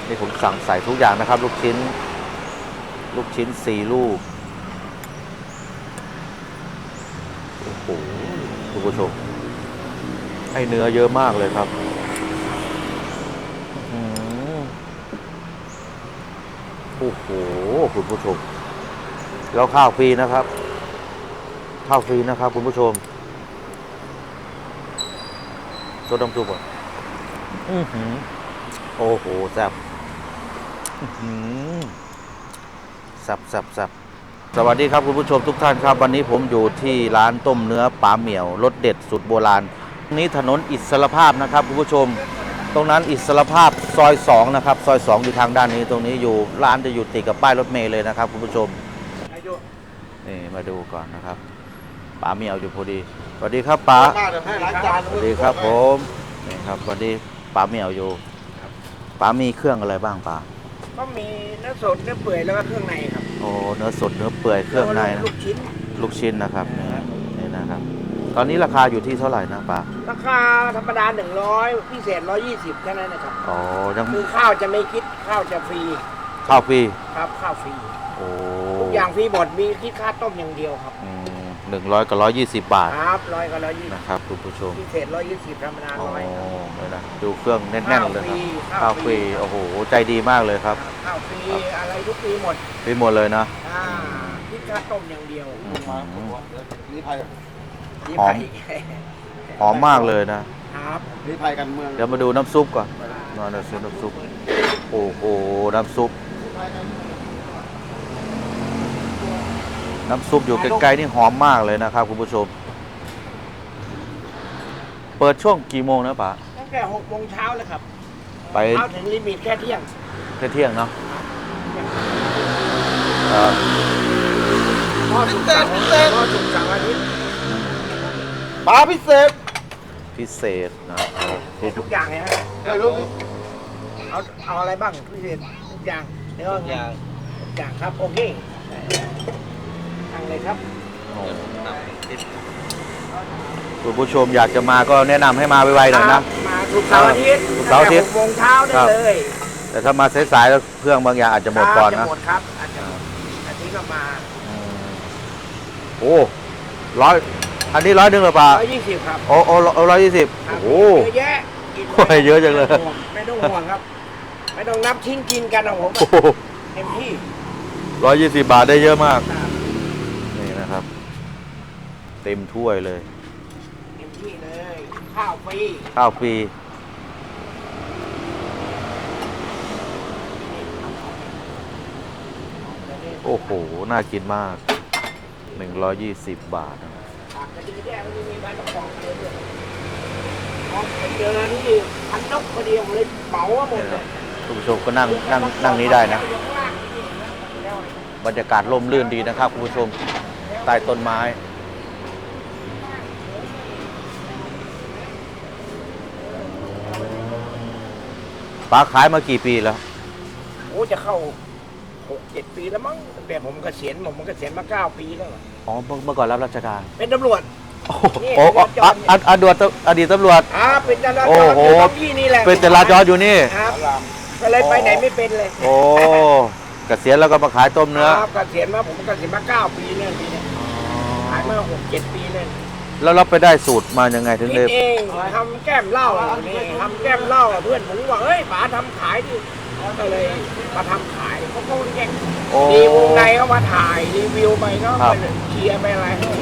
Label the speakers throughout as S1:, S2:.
S1: นี่ผมสั่งใส่ทุกอย่างนะครับลูกชิ้น4 ลูกโอ้โหคุณผู้ชมให้เนื้อเยอะมากเลยครับโอ้โหคุณผู้ชมแล้วข้าวฟรีนะครับข้าวฟรีนะครับคุณผู้ชมตัวดำซุปอ่ะโอ้โหแซ่บแซ่บสวัสดีครับคุณผู้ชมทุกท่านครับวันนี้ผมอยู่ที่ร้านต้มเนื้อป๋าเหมี่ยวรสเด็ดสุดโบราณนี้ถนนอิสรภาพนะครับคุณผู้ชมตรงนั้นอิสรภาพซอย2นะครับซอย2อยู่ทางด้านนี้ตรงนี้อยู่ร้านจะอยู่ติดกับป้ายรถเมล์เลยนะครับคุณผู้ชมนี่มาดูก่อนนะครับป๋าเหมี่ยวอยู่พอดีสวัสดีครับป๋าสวัสดีครับผมนี่ครับสวัสดีป๋าเหมี่ยวอยู่ป๋ามีเครื่องอะไรบ้างป๋า
S2: ก็มีเนื้อสดเนื้อเปื่อยแล้วก็เครื่องในครับ
S1: โอ้เนื้อสดเนื้อเปื่อยเครื่องในนะลูกชิ้นนะครับนี่นะครับตอนนี้ราคาอยู่ที่เท่าไหร่นะป๋า
S2: ราคาธรรมดา100พิเศษ120แค่นั้นนะครับ
S1: อ๋อยัง
S2: คือข้าวจะไม่คิดข้าวจะฟรี
S1: ข้าวฟรี
S2: ครับข้าวฟรี
S1: โอ้
S2: ทุกอย่างฟรีหมดมีคิดค่าต้มอย่างเดียวครับ
S1: 100 กับ 120 บาท
S2: ครับ100 กับ 120
S1: นะครับคุณผู้ชม
S2: พิเศษ120ธรรมดา100
S1: เลยนะดูเครื่องแน่นๆเลยครับข้าวฟรีโอ้โหใจดีมากเลยครับ
S2: ข้าวฟรีอะไรทุกฟรีหมด
S1: ฟรีหมดเลยนะ
S2: คิดค่าต้มอย่างเดียว
S1: หอมมากเลยนะครับ
S2: นี่ไทยกันเมือง
S1: เดี๋ยวมาดูน้ำซุปก่อนน้ำซุปโอ้โหน้ำซุปอยู่ใกล้ๆนี่หอมมากเลยนะครับคุณผู้ชมเปิดช่วงกี่โมงนะป๋า
S2: ตั้งแต่6 โมงเช้าเลยครับ
S1: ไป
S2: เช้าถึงลิมิตแค่เที่ยง
S1: เนาะ
S2: พ่อสุกสั่งอาทิตย์
S1: ปลาพิเศษนะ
S2: ทุกอย่างเลยฮะเอาอะไรบ้างพิเศษทุกอย่างเนื้อทุกอย่างครับโอเคสั่งเลยครับ
S1: คุณผู้ชมอยากจะมาก็แนะนำให้มาไวๆหน่อยนะ
S2: มาทุกเสาร์อาทิตย์6 โมงเช้าได้เลย
S1: แต่ถ้ามาสายๆแล้วเครื่องบางอย่างอาจจะหมดก่อนนะ
S2: หมดครับอาจจะอาทิตย์ก็มา
S1: โอ้100อันนี้100หรือเปล่า
S2: 120ครับ
S1: โอ้120โอ้
S2: เยอะแยะ
S1: เยอะจังเลย
S2: ไม่ต้องห่วงครับไม่ต้องนับชิ้นกินกันนะผมเต็มที่
S1: 120 บาทได้เยอะมากนี่นะครับเต็มถ้วยเลย
S2: เต็มที่เลยข้าวฟรี
S1: โอ้โหน่ากินมาก120 บาทนะ
S2: เจอที่พันนกพอดีผมเลยเหมาหมดเลย
S1: คุณผู้ชมก็นั่งนี้ได้นะบรรยากาศร่มรื่นดีนะครับคุณผู้ชมใต้ต้นไม้ป๋าขายมากี่ปีแล้ว
S2: โอ้จะเข้า6-7 ปีแล้วมั้งแต่ผมเกษียณมา9 ปีแล้ว
S1: อ๋อเมื่อก่อนรับราชการ
S2: เป็นตำรวจ
S1: โอ้อดีตตำรวจ
S2: เป็นจราจรที่นี่แหละ
S1: เป็นจราจรอยู่นี่
S2: ก็เลยไปไหนไม่เป็นเลย
S1: โอ้เกษียณแล้วก็มาขายต้มเนื้อ
S2: เกษียณมาผมเกษียณมา9 ปีเนี่ยปีนี้ขายมา6-7 ปีเลย
S1: แล้วเราไปได้สูตรมายังไงถึงได้
S2: เองทำแก้มเหล้านี่ทำแก้มเหล้าเพื่อนผมบอกเฮ้ยป๋าทำขายดิก็เลยมาทำขายเขาก็แย่งดีวงในเขามาถ่ายรีวิวไปก็ไปเชียร์ไปอะไรให้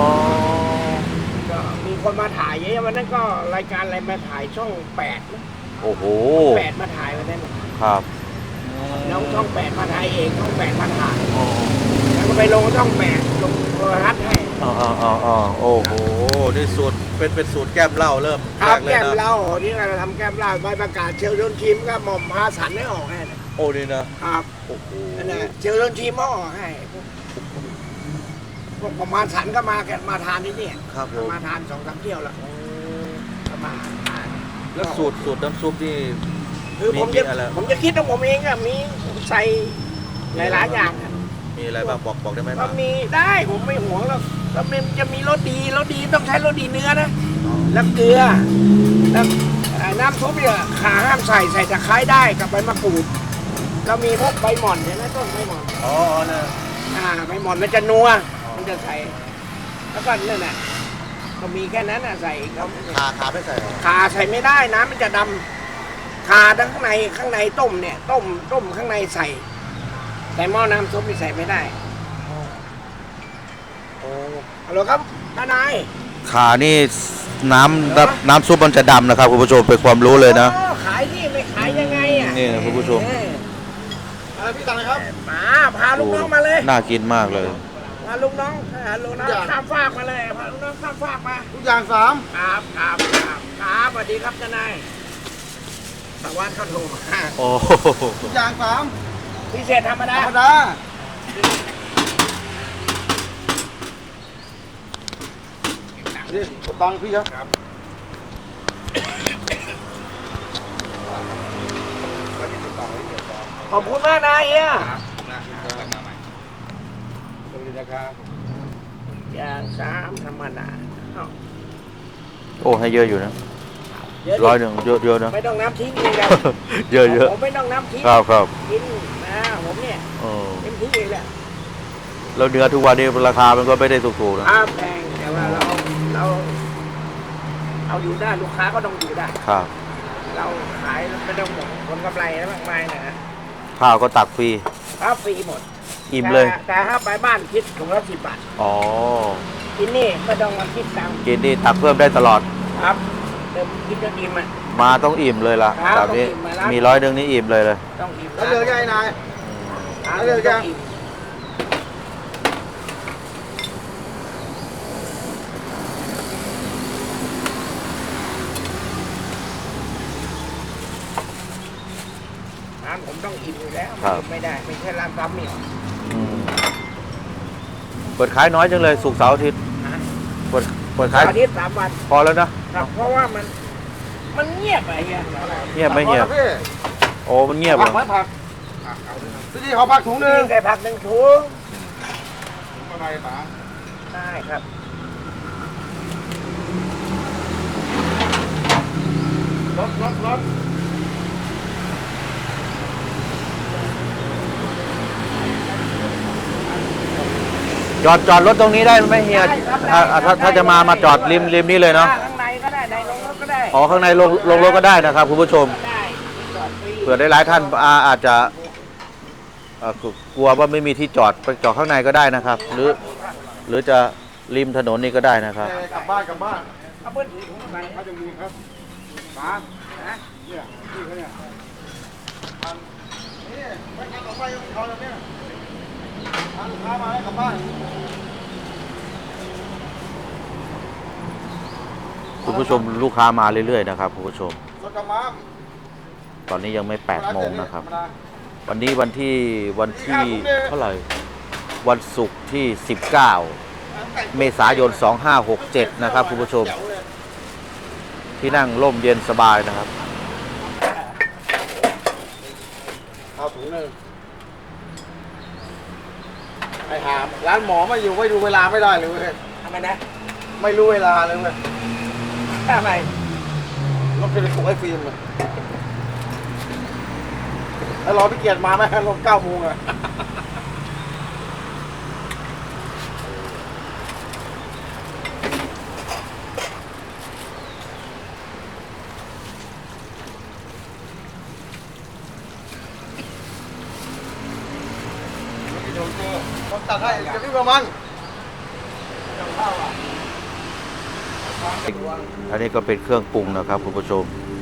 S2: ก็มีคนมาถ่ายเยอะวันนั้นก็รายการอะไรมาถ่ายช่อง8นะ
S1: โอ้โห
S2: 8มาถ่ายวันนั้น
S1: ครับ
S2: น้องช่อง8มาถ่ายเองช่อง8มาถ่ายแล้วก็ไปลงช่อง8ลงโทรทัศน์ให้
S1: โอ้โหนี่สูตรเป็นสูตรแก้มเหล้าเริ่ม
S2: ครับแก้มเหล้าที่เราทำแก้มเหล้าใบประกาศเชลล์โดนทีมก็หม่อมพาสันให้ออกให้
S1: โอ้นี่นะครับโอ้โห
S2: เชลล์โดนทีมมาออกให้พวกประมาณสันก็มาทานที่นี่
S1: ครับ
S2: มาทาน2-3 เที่ยวแล้วมาทาน
S1: แล้วสูตรน้ำซุปที่
S2: คือผมจะคิดของผมเองอะมีใส่หลายอย่าง
S1: มีอะไรบ้างบอกได้ไหม
S2: ก็มีได้ผมไม่ห่วงแล้วจะมีรสดีต้องใช้รสดีเนื้อนะแล้วเกลือแล้วน้ำซุปเนี่ยขาห้ามใส่ตะไคร้ได้กับใบมะกรูดเรามีพวกใบหม่อนเห็นไหมต้นใบหม่อน
S3: อ๋อเนี่ย
S2: ใบหม่อนมันจะนัวมันจะใส่แล้วก็นั่นแหละก็มีแค่นั้นใส่ครับ
S3: ขาไม่ใส่หรอ
S2: ขาใส่ไม่ได้น้ำมันจะดำขาทั้งข้างในต้มเนี่ยต้มข้างในใส่ แต่หม้อน้ำซุปนี่ใส่ไม่ได้
S3: โอ้
S2: ฮัลโหลครับทนาย
S1: ขานี่น้ำซุปมันจะดำนะครับคุณผู้ชมเป็นความรู้เลยนะ
S2: อ๋อขายที่ไม่ขายยังไงอ่ะ
S1: นี่นะคุณผู้ชม
S3: อะไรพี่ตังค์ครับ
S2: มาพาลูกน้องมาเลย
S1: น่ากินมากเลย
S2: พาลูกน้องข้ามฟากมาเลยพาลูกน้องข้ามฟากมา
S3: ทุกอย่าง3
S2: ครับสวัสดีครับทนายสวัสดีเขาโทรมา
S1: โอ้
S3: ทุกอย่าง
S2: พิเศษธรรม
S3: 3
S2: ดา
S3: ธรรมดานี่ตังค์พี่ครับ
S2: ขอบคุณมากนะเฮีย
S3: สวัสดีนะครับ
S2: อย่าง3ธรรมดา
S1: โอ้ให้เยอะอยู่นะ
S2: เยอะดิ
S1: 100เยอะนะ
S2: ไม่ต้องน้ำทิ้งเลยครับ
S1: เยอะ
S2: ผมไม่ต้องน้ำทิ้ง
S1: ครับ
S2: กินนะผมเนี่ย
S1: เออ
S2: เต็มที่เลยแหละ
S1: แล้วเนื้อทุกวันนี้ราคามันก็ไม่ได้ถูกๆนะ
S2: แพงแต่ว่าเราเอาอยู่ได้ลูกค้าก็ต้องอยู่ได้
S1: ครับ
S2: เราขายไม่ต้องหมดผลกำไรมากมายนะ
S1: ข้าวก็ตักฟรี
S2: ถ้าฟรีหมด
S1: อิ่มเลย
S2: แต่ถ้าไปบ้านคิดถุงละ10 บาท
S1: อ๋อ
S2: กินนี่ไม่ต้องมาคิดตังค์
S1: กินนี่ตักเพิ่มได้ตลอด
S2: ครับเดิมกินจนอิ่มอ่ะ
S1: มาต้องอิ่มเลยล่ะ
S2: ครับ
S1: แบบนี้
S2: ต้องอิ่มมาแล้ว
S1: มี100นี่อิ่มเลย
S2: ต้องอิ่ม
S3: แล้วเรือยังไงนาย
S2: แล้ว
S3: เร็วจัง
S2: อิ่มร้านผมต้องอิ่มอยู่แล้วไม่ได้ไม่ใช่ร้านซ้ำนี่หรอก
S1: อืมเปิดขายน้อยจังเลยศุกร์เสาร์อาทิตย์
S2: นะ
S1: เปิดขาย
S2: อาทิตย์3 วัน
S1: พอแล้วนะ
S2: ครับเพราะว่ามันเงียบไปเฮีย
S1: เงียบไม่เงียบ
S3: พี่
S1: โอ้มันเงียบเหร
S3: ผั
S1: อก
S3: ไหมผักพี่ขอผักถุงหนึง
S2: ใส่ผัก1 ถุง
S3: อะไรป๋า
S2: ได้ครับรถ
S1: จอดรถตรงนี้ได้ไหมเฮียถ้าจะมาจอดริมนี้เลยเนาะ
S2: ข้างในก็ได้ในโรงรถก็ได้
S1: อ๋อข้างในลงรถก็ได้นะครับคุณผู้ชม
S2: ได้จอดฟรี
S1: เผื่อได้หลายท่านอาจจะกลัวว่าไม่มีที่จอดไปจอดข้างในก็ได้นะครับ หรือจะริมถนนนี่ก็ได้นะครับ
S3: กลับบ้าน
S2: เอาเปิ้ลถือถุงไป
S3: มาจากมูลครับป๋า
S2: นะ
S3: เนี่ยพี่เขาเนี่ยนี่ไปทางต่อไปเขาแล้วเนี่ยทางลูกค้ามาให้กลับบ้าน
S1: คุณผู้ชมลูกค้ามาเรื่อยๆนะครับคุณผู้ชม
S3: สดกระมัง
S1: ตอนนี้ยังไม่8 โมงนะครับ วันนี้วันที่เท่าไหร่วันศุกร์ที่ 19 เมษายน 2567 นะครับคุณผู้ชม ที่นั่งร่มเย็นสบายนะครับ
S3: เอาถุงหนึงไอ้หามร้านหมอไม่อยู่ไม่ดูเวลาไม่ได้เลยเว้ย
S2: ทำไมนะ
S3: ไม่รู้เวลาเลยเว้ย
S2: ทำไม
S3: รถจะไปส่งไอ้ฟิล์มเลยแล้วรอพี่เกียรติมาไหมรถ9 โมงอะผมตัดให้จะพี่ประมัง
S1: อันนี้ก็เป็นเครื่องปรุงนะครับคุณผู้ชม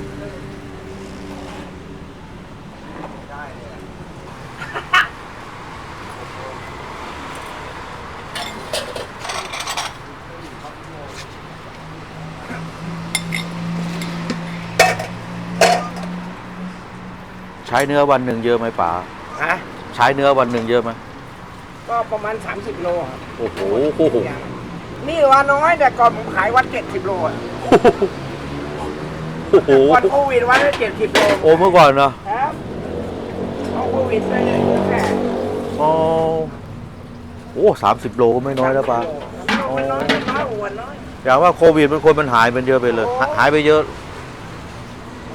S1: ใช้เนื้อวันหนึ่งเยอะไหมป๋า
S2: ฮะ
S1: ใช้เนื้อวันหนึ่งเยอะไหม
S2: ก็ประมาณ30 โลครับ
S1: โอ้โห
S2: นี่ว่าน้อยแต่ก่อนผมขายวัน70 โลอะ
S1: โอ้โห
S2: ก่อนโควิดวันละ70 โล
S1: โอ้เมื่อก่อนเนาะ
S2: ครับเอาโควิดไปเลยแค่
S1: อ๋อโอ้30 โลก็ไม่น้อยแล้วป๋า
S2: มันน้อยอ้วนน้อย
S1: อย่างว่าโควิดมันคนมันหายไปเยอะไปเลย หายไปเยอะ
S2: ค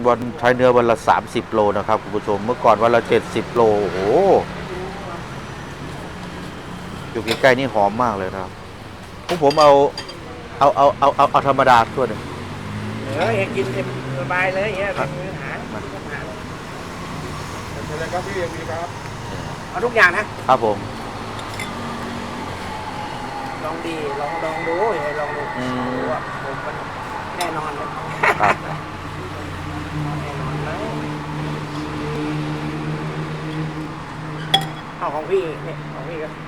S1: วันใช้เนื้อวันละ30 โลนะครับคุณผู้ชมเมื่อก่อนวันละ70 โลโอ้โหอยู่ใกล้ๆนี่หอมมากเลยนะครับพวกผมเอาธรรมดาทั่วหนึ่ง
S2: อยากกินเต็มสบายเลยอย่างเงี้ยเป็นอาหาร
S3: เชิญเลยครับพี่เอ็มพีครับ
S2: เอาทุกอย่างนะครับ
S1: ผม
S2: ลองดีลองดูลองดู
S1: อืม
S2: ดูว่าผมมันแน่นอนเลย
S1: ครับ
S2: แน่นอนเลยเอาของพี่นี่ของพี่ก็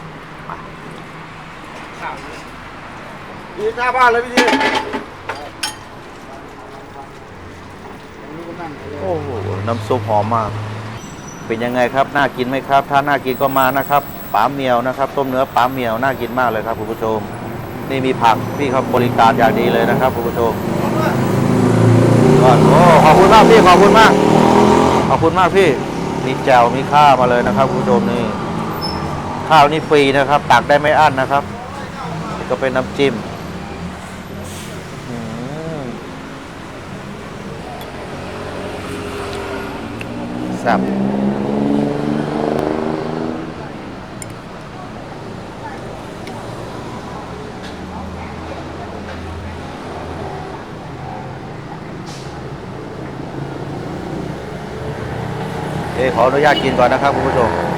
S2: ข้าวนี่
S3: พี่หน้าบ้านเลยพี่
S1: โอ้โหน้ำซุปหอมมาก เป็นยังไงครับน่ากินไหมครับ ถ้าน่ากินก็มานะครับป๋าเหมียวนะครับต้มเนื้อป๋าเหมียวน่ากินมากเลยครับคุณผู้ชมนี่มีผักพี่เขาบริการอย่างดีเลยนะครับคุณผู้ชมโอ้ขอบคุณมากพี่ขอบคุณมากขอบคุณมากพี่มีแจ่วมีข้าวมาเลยนะครับคุณผู้ชมนี่ข้าวนี่ฟรีนะครับตักได้ไม่อั้นนะครับนี่ก็เป็นน้ำจิ้มอืมแซ่บขออนุญาตกินก่อนนะครับคุณผู้ชม